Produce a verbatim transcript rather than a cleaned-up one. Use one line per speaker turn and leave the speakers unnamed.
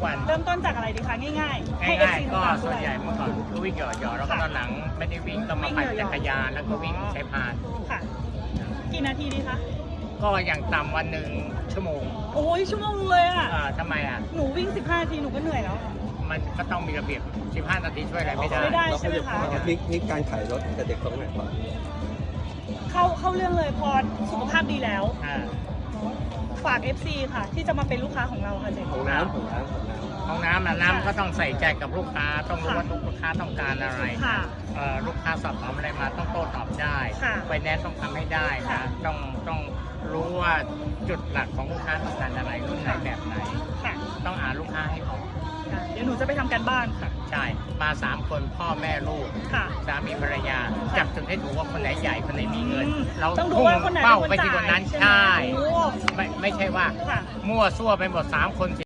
วัน
เริ่มต้นจากอะไรดีคะง่ายๆให้
ง่าย
เอฟซี
ๆก็
ตาม
ส่
ด้
ว
วน ย
ใหญ่เมื่อก่อนก็วิ่งหย่อๆแล้วก็ตอนหลังไม่ได้วิ่งก็มาปั่นจักรยานแล้วก็วิ่งใช้พาน
ค่ะ กี่นาทีดีคะ
ก็อย่างต่ำวันหนึ่งชั่วโมง
โอ้ยชั่วโมงเลยอ่ะ
อ่าทำไมอ่ะ
หนูวิ่งสิบห้านาทีหนูก็เหนื่อยแล้ว
มันก็ต้องมีระเบียบสิบห้านาทีช่วยอะไรไม่ได้
ไม่ได้ ใช่หคะ
นี่นี่การขายรถกับเด็กตรงไหนก่อน
เข้าเข้าเรื่องเลยพอสุขภาพดีแล้ว
อ่า
ฝาก เอฟ ซี ค่ะ ที่จะมาเป็นลูกค้าของเราค่ะเจ๊
ของน้ำของน้ำของน้ำ
ห้องน้ำนะน้ำก็ต้องใส่ใจกับลูกค้าต้องรู้
ค่ะ
ว่าลูกค้าต้องการอะไร
ค่ะ
เอ่อลูกค้าสอบถามอะไรมาต้องโต้ตอบได้
ค่ะ
ไฟแนนซ์ต้องทำให้ได้
ค่ะ
นะต้องต้องรู้ว่าจุดหลักของลูกค้าต้องการอะไรรุ่นไหนแบบไหน
ค่ะ
ต้องอ่านลูกค้าให้ออก
ค่ะ เดี๋ยวหนูจะไปทำการบ้านค่ะ
ใช่มาสามคนพ่อแม่ลูก
ค่ะ
สามีภรรยาจับจุดให้ถูกว่าคนไหนใหญ่คนไหนมีเงิน
อืม
เรา
ต้องดู
พุ่ง
ว่าคนไหน
เป้า
เป็นคน
ไปที่คนนั้น
จ่ายใช่
ใช่
ไหมโอ้
ไม่ไม่ใช่ว่า
ค่ะ
มั่วซั่วไปหมดสามคน